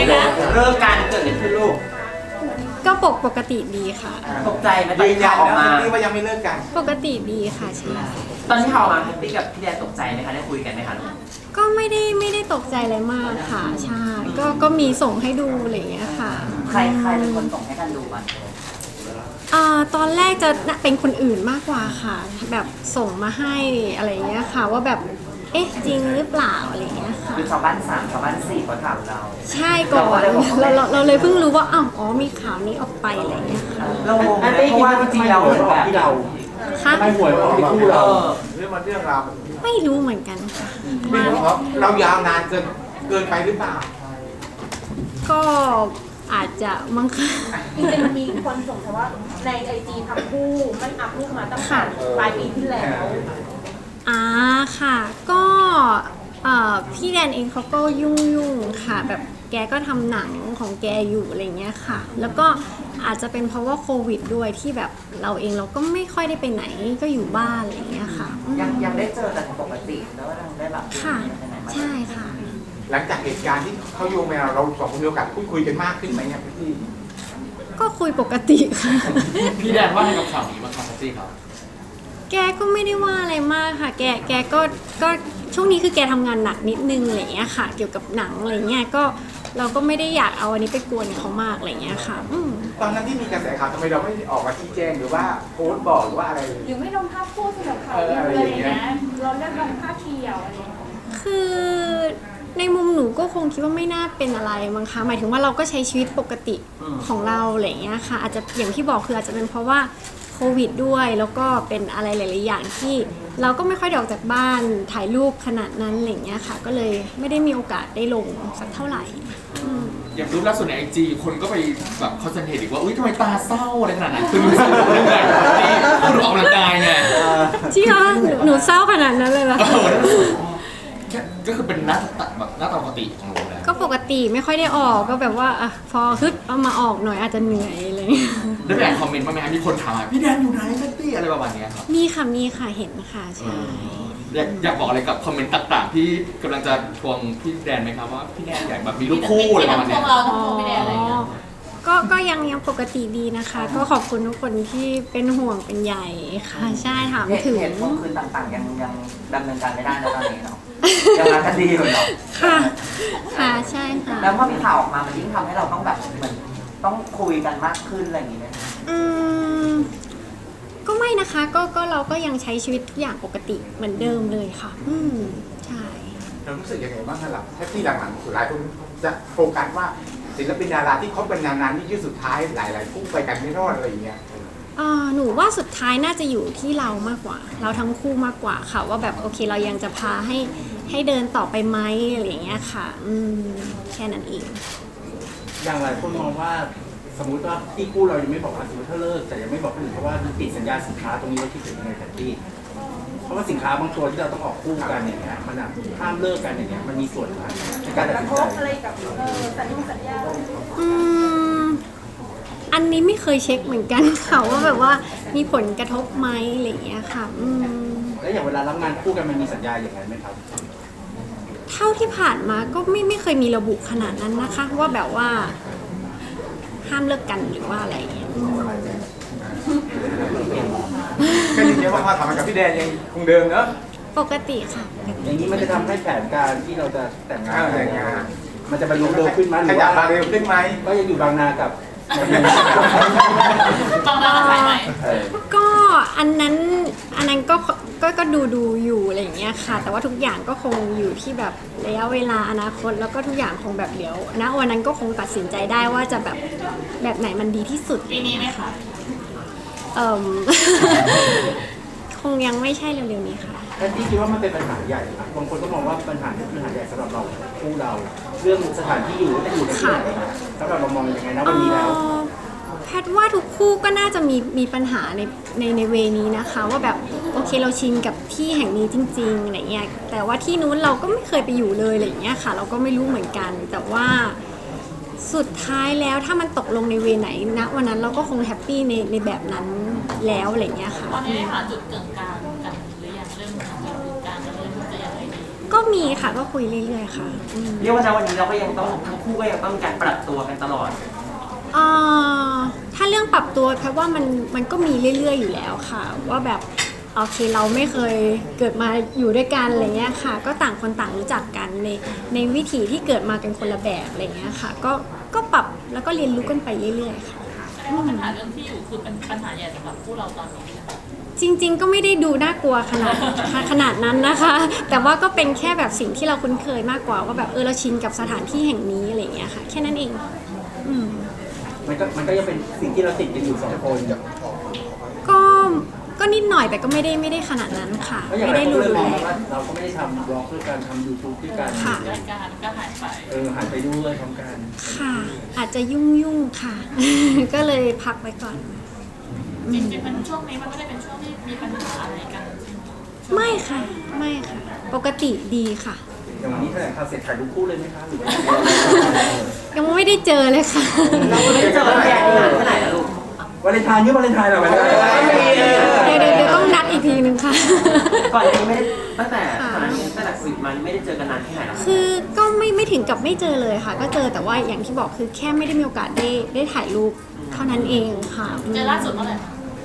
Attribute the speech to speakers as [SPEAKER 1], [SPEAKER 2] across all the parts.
[SPEAKER 1] นะ
[SPEAKER 2] เลิกการเกิดอะไรขึ้นลูก
[SPEAKER 1] ก็ปกติดีค่ะ
[SPEAKER 2] ตกใจไหมตอนที่ข่าวออกมา
[SPEAKER 3] ว่ายังไม่เลิกกัน
[SPEAKER 1] ปกติดีค่ะใช่
[SPEAKER 2] ตอนที่ข่าวออกมาพี่กับพี่แดนตกใจไหมคะได้คุยกันไหมคะ
[SPEAKER 1] ก็ไม่ได้ตกใจอะไรมากค่ะใช่ก็มีส่งให้ดูอะไรอย่างเงี้ยค่ะ
[SPEAKER 2] ใครเป็นคนส่งให้กันดูก่อน
[SPEAKER 1] ตอนแรกจะเป็นคนอื่นมากกว่าค่ะแบบส่งมาให้อะไรอย่างเงี้ยค่ะว่าแบบเอ๊ะจริงหรือเปล่าอะไรอย่างเงี้ยค่ะ
[SPEAKER 2] คือชาวบ้าน3ชาวบ้าน4คนถามเรา
[SPEAKER 1] ใช่ก่อนเราเลยเพิ่งรู้ว่าอ๋อมีข่าวนี้ออกไปอะไรอย่างเงี้ยค่ะ
[SPEAKER 2] เราเพราะว่าจริงๆแล้วแบบที่เรา
[SPEAKER 1] ค่ะ
[SPEAKER 3] ไม่หวยออกที่คู่เราเรื่องราว
[SPEAKER 1] ไม่รู้เหมือนกันค่ะ
[SPEAKER 3] ไม่รู้ครับเรายาวนานเกินไปหรือเปล่า
[SPEAKER 1] ก็อาจจะมั้งค่ะ
[SPEAKER 4] จริงๆมีคนส่งแต่ว่าในไอจีทั้งคู่ไม่อัพรูปมาตั้งแต่ปลายปีที่แล้ว
[SPEAKER 1] ค่ะก็พี่แดนเองเขาก็ยุ่งค่ะแบบแกก็ทำหนังของแกอยู่อะไรเงี้ยค่ะแล้วก็อาจจะเป็นเพราะว่าโควิดด้วยที่แบบเราเองเราก็ไม่ค่อยได้ไปไหนก็อยู่บ้านอะไรเงี้ยค่ะ
[SPEAKER 2] ยังได้เจอกันปกติแล้วยังได้แบบ
[SPEAKER 1] ค่ะใช่ค่ะ
[SPEAKER 3] หลังจากเหตุการณ์ที่เขาโยงมาเราสองคนมีโอกาสพูดคุยกันมากขึ้นไหมเนี่ยพี่
[SPEAKER 1] ก็คุยปกติค่ะ
[SPEAKER 5] พี่แดนว่าในกับข่าวนี้บ้างครับพี่ครับ
[SPEAKER 1] แกก็ไม่ได้ว่าอะไรมากค่ะแกก็ช่วงนี้คือแกทำงานหนักนิดนึงอะไรเงี้ยค่ะเกี่ยวกับหนังอะไรเงี้ยก็เราก็ไม่ได้อยากเอาอันนี้ไปกวนเขามากอะไรเงี้ยค่ะ
[SPEAKER 3] ตอนนั้นที่มีกระแสข่าวทำไมเราไม่ออกมาชี้แจงหรือว่าโพสต์บอกหรือว่าอะไร
[SPEAKER 4] หรือไม่ลงภาพคู่สำหรับเขาอะไรอย่างเงี้ยเราเลือกลงภาพเที่ยวอะไร
[SPEAKER 1] คือในมุมหนูก็คงคิดว่าไม่น่าเป็นอะไรมั้งคะหมายถึงว่าเราก็ใช้ชีวิตปกติของเราอะไรเงี้ยค่ะอาจจะอย่างที่บอกคืออาจจะเป็นเพราะว่าโควิดด้วยแล้วก็เป็นอะไรหลายๆอย่างที่เราก็ไม่ค่อยได้ออกจากบ้านถ่ายรูปขนาดนั้นอะไรเงี้ยค่ะก็เลยไม่ได้มีโอกาสได้ลงสักเท่าไหร่
[SPEAKER 5] อย่างรูปล่าสุดในไอจีคนก็ไปแบบคอนเซนเทรตอีกว่าอุ้ยทำไมตาเศร้าอะไรขนาดนั้นคือดูเศร้าเรื่องอะไรที่ดูออกกำลังกายไง
[SPEAKER 1] จริงเหรอหนูเศร้าขนาดนั้นเลยเหรอ
[SPEAKER 5] ก็คือเป็นหน้าตาปกติของเราแล้ว
[SPEAKER 1] ก็ปกติไม่ค่อยได้ออกก็แบบว่าพอฮึดเอามาออกหน่อยอาจจะเหนื่อยอะไร
[SPEAKER 5] ได้ไปอ่านคอมเมนต์บ้างไหมครับมีคนถามพี่แดนอยู่ไหนแพตตี้อะไรประมาณนี้ครับ
[SPEAKER 1] มีค่ะเห็นค่ะใช่
[SPEAKER 5] อยากบอกอะไรกับคอมเมนต์ต่างๆที่กำลังจะทวงพี่แดนไหมครับว่าพี่แดนอยากแบบมีรูปคู่อะไรประมาณนี้
[SPEAKER 4] เราต้องพี่แดนอะไรอย่างเงี้ย
[SPEAKER 1] ก็ยังปกติดีนะคะก็ขอบคุณทุกคนที่เป็นห่วงเป็นใยค่ะใช่ถามถึง
[SPEAKER 2] เหตุผลคือต่างๆยังดำเนินการไม่ได้นะตอนนี้เนาะยังรักกันดีอยู่เนาะ
[SPEAKER 1] ค่ะใช่ค่ะ
[SPEAKER 2] แล้วพอมีข่าวออกมามันยิ่งทำให้เราต้องแบบเหมือนต้องคุยกันมากขึ้นอะไรอย่างงี้ไหม
[SPEAKER 1] ก็ไม่นะคะก็เราก็ยังใช้ชีวิตทุกอย่างปกติเหมือนเดิมเลยค่ะใช่
[SPEAKER 3] เรารู้สึกยังไงบ้างล่ะแค่ที่หลังๆสุดท้ายคุณจะโฟกัสว่าศิลปินดาราที่เขาเป็นนานๆนี่ยืดสุดท้ายหลายๆคู่ไปกันไม่รอดอะไรอย่างเงี้ย
[SPEAKER 1] หนูว่าสุดท้ายน่าจะอยู่ที่เรามากกว่าเราทั้งคู่มากกว่าค่ะว่าแบบโอเคเรายังจะพาให้เดินต่อไปไหมอะไรอย่างเงี้ยค่ะแค่นั้นเอง
[SPEAKER 6] อย่างไรคนมองว่าสมมุติว่าที่คู่เรายังไม่บอกว่าสมมติถ้าเลิกแต่ยังไม่บอกคนอื่นเพราะว่าติดสัญญาสินค้าตรงนี้เราคิดถึงยังไงแพตตี้เพราะว่าสินค้าบางตัวที่เราต้องออกคู่กันอย่างเงี้ยมันห้ามเลิกกันอย่างเงี้ยมันมีส่วนในการตัดสินใจ
[SPEAKER 4] อะไรกับสัญญา
[SPEAKER 1] อันนี้ไม่เคยเช็คเหมือนกันค่ะว่าแบบว่ามีผลกระทบไหมอะไรอย่างเงี้ยค่ะ
[SPEAKER 6] แล้วอย่างเวลารับงานคู่กันมันมีสัญญาอย่างไรไหมครับ
[SPEAKER 1] เท่าที่ผ่านมาก็ไม่เคยมีระบุขนาดนั้นนะคะว่าแบบว่าห้ามเลิกกันหรือว่าอะไรอย่างเงี้ย
[SPEAKER 3] ก็ยืนยันว่าความสัมพันธ์กับพี่แดนยังคงเดิมเนอะ
[SPEAKER 1] ปกติค่ะ
[SPEAKER 6] อย่างนี้มันจะทำให้แผนการที่เราจะแต่งงานมันจะไปลงเร็วขึ้นไหมหรือว่า
[SPEAKER 3] เร็วขึ้นไหม
[SPEAKER 6] ก็ยังอยู่บางนากั
[SPEAKER 4] บบางนาสายไหม
[SPEAKER 1] ก็อันนั้นก็ดูอยู่อะไรอย่างเงี้ยค่ะแต่ว่าทุกอย่างก็คงอยู่ที่แบบระยะเวลาอนาคตแล้วก็ทุกอย่างคงแบบเดี๋ยวณวันนั้นก็คงตัดสินใจได้ว่าจะแบบไหนมันดีที่สุด
[SPEAKER 4] ปีนี้ไหมคะ
[SPEAKER 1] คงยังไม่ใช่เร็วๆนี้ค่ะ
[SPEAKER 6] แต่ที่คิดว่ามันเป็นปัญหาใหญ่บางคนก็มองว่าปัญหานี้เป็นปัญหาใหญ่สำหรับเราคู่เราเรื่องสถานที่อยู่จะอยู่ในที่ไหนสำหรับเรามองยังไงนะวันนี้แล้ว
[SPEAKER 1] แพทย์ว่าทุกคู่ก็น่าจะมีปัญหาในเวนี้นะคะว่าแบบโอเคเราชินกับที่แห่งนี้จริงๆอะไรเงี้ยแต่ว่าที่นู้นเราก็ไม่เคยไปอยู่เลยอะไรเงี้ยค่ะเราก็ไม่รู้เหมือนกันแต่ว่าสุดท้ายแล้วถ้ามันตกลงในเวไหนณวันนั้นเราก็คงแฮปปี้ในแบบนั้นแล้วอะไรเงี้ยค่ะ
[SPEAKER 4] ตอนนี้หาจุดกึ่งกลางกันหรือยังเรื่องหาจุดกึ่งกลางกันเรื่องจะยังไงดี
[SPEAKER 1] ก็มีค่ะก็คุยเรื่อยๆค่ะอืม
[SPEAKER 7] เรียกว่าณวันนี้เราก็ยังต้องทั้งคู่ก็ยังต้องมีการปรับตัวกันตลอด
[SPEAKER 1] ถ้าเรื่องปรับตัวแค่ว่ามันก็มีเรื่อยๆอยู่แล้วค่ะ ว่าแบบโอเคเราไม่เคยเกิดมาอยู่ด้วยกันอะไรเงี้ยค่ะ ก็ต่างคนต่างรู้จักกันในวิถีที่เกิดมากันคนละแบบอะไรเงี้ยค่ะก็ปรับแล้วก็เรียนรู้กันไปเรื่อยๆค่ะ
[SPEAKER 8] ปัญหาเรื่องที่อยู่คือเป็นปัญหาใหญ่สำหรับคู่เราตอนนี้
[SPEAKER 1] จริงๆก็ไม่ได้ดูน่ากลัวขนาดนั้นนะคะ แต่ว่าก็เป็นแค่แบบสิ่งที่เราคุ้นเคยมากกว่าว่าแบบเราชินกับสถานที่แห่งนี้อะไรเงี้ยค่ะแค่นั้นเองอืม
[SPEAKER 6] มันก็ยังเป็นสิ่งที่เราติดกันอยู่สองคน
[SPEAKER 1] ก็นิดหน่อยแต่ก็ไม่ได้ขนาดนั้นค่ะ
[SPEAKER 6] ก็อย่าง
[SPEAKER 1] ไม่
[SPEAKER 6] ไร
[SPEAKER 1] ได้
[SPEAKER 6] ก็
[SPEAKER 1] รุ
[SPEAKER 6] เล
[SPEAKER 1] น
[SPEAKER 6] ยม
[SPEAKER 1] แร
[SPEAKER 6] อง
[SPEAKER 1] ง
[SPEAKER 6] ว่าเราก็ไม่ได้ทำบล็อกด้วยการทำ YouTube ด้วยกัน
[SPEAKER 1] ค่ะ
[SPEAKER 8] รายการก็หายไป
[SPEAKER 6] หันไปด้วยพร้อมกัน
[SPEAKER 1] ค่ะ อาจจะยุ่งค่ะ ก็เลยพักไว้ก่อน
[SPEAKER 8] จริงๆมันช่วงนี้มันไม่ได้เป็นช่วงที่มีปัญหาอะไรกัน
[SPEAKER 1] ไม่ค่ะไม่ค่ะ ปกติดีค่ะ
[SPEAKER 6] อย่างวันนี้แถลงข่าวเสร็จถ่ายรูปคู่เลยไหมคะหรือว่า
[SPEAKER 1] ยังไม่ได้เจอเลยค่ะ
[SPEAKER 7] เราไม่ได้เจอกันแยกนานแค่ไหนแล้วลูก
[SPEAKER 6] วาเลนไทน์นี่วาเลนไทน์เหรอวาเลนไทน์
[SPEAKER 1] เดี๋ยวต้องนัดอีกทีนึงค่ะ
[SPEAKER 7] ก่อนหน้านี้ไม่ได้ตั้งแต่ก่อนหน้านี้ตั้งแต่โควิดมาไม่ได้เจอกันนานแค่ไหนแล้ว
[SPEAKER 1] คือก็ไม่ถึงกับไม่เจอเลยค่ะ ก็เจอแต่ว่าอย่างที่บอกคือแค่ไม่ได้มีโอกาสได้ถ่ายรูปเท่านั้นเองค่ะ
[SPEAKER 8] เจอล่าสุดเมื่อไหร่คะ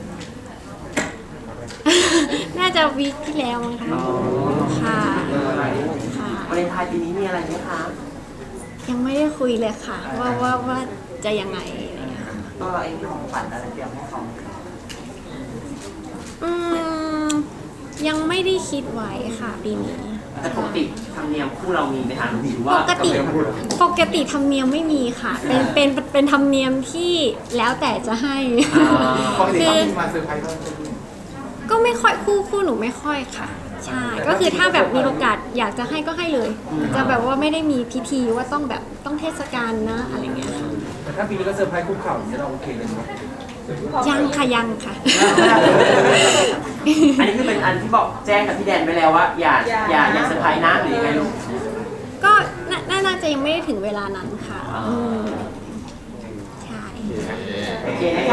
[SPEAKER 1] น่าจะวีคที่แล้วมั้งคะค่ะค่ะ
[SPEAKER 7] วาเลนไทน์ปีนี้มีอะไรไหมคะ
[SPEAKER 1] ยังไม่ได้คุยเลยค่ะ ว่าจะยังไงอะไรอย่างเงี้ยค่ะ
[SPEAKER 2] ตัวเราเองมีของขวัญอะไรเตรียมให้เขาไหม
[SPEAKER 1] อืมยังไม่ได้คิดไว้ค่ะปีนี้
[SPEAKER 7] แต่ปกติธรรมเนียมคู่เรามีไหมคะหรือ
[SPEAKER 1] ป
[SPEAKER 7] ว่าก
[SPEAKER 1] ติธรรมเนียมไม่มีค่ะ เป็นธรรมเนียมที่แล้วแต่จะให้
[SPEAKER 3] ปกติเขามีมาเซอร์ไพรส์เรา
[SPEAKER 1] ก็ไม่ค่อยคู่หนูไม่ค่อยค่ะ ใช่ก็คือถ้าแบบมีโอกาสอยากจะให้ก็ให้เลย จะแบบว่าไม่ได้มีพิธีว่าต้องเทศกาลนะอะไรเงี้ยค่ะ
[SPEAKER 6] แต่ถ้าปีนี้ก็เซอร์ไพรส์คุกเข่าอย่างนี้เราโอเคเลยไหม
[SPEAKER 1] ยังค่ะ
[SPEAKER 7] อันนี้คือเป็นอันที่บอกแจ้งกับพี่แดนไปแล้วว่าอย่าเซอร์ไพรส์นะหรือยังไงลูก
[SPEAKER 1] ก็น่าจะยังไม่ได้ถึงเวลานั้นค่ะใช่
[SPEAKER 7] โอเคนะคะ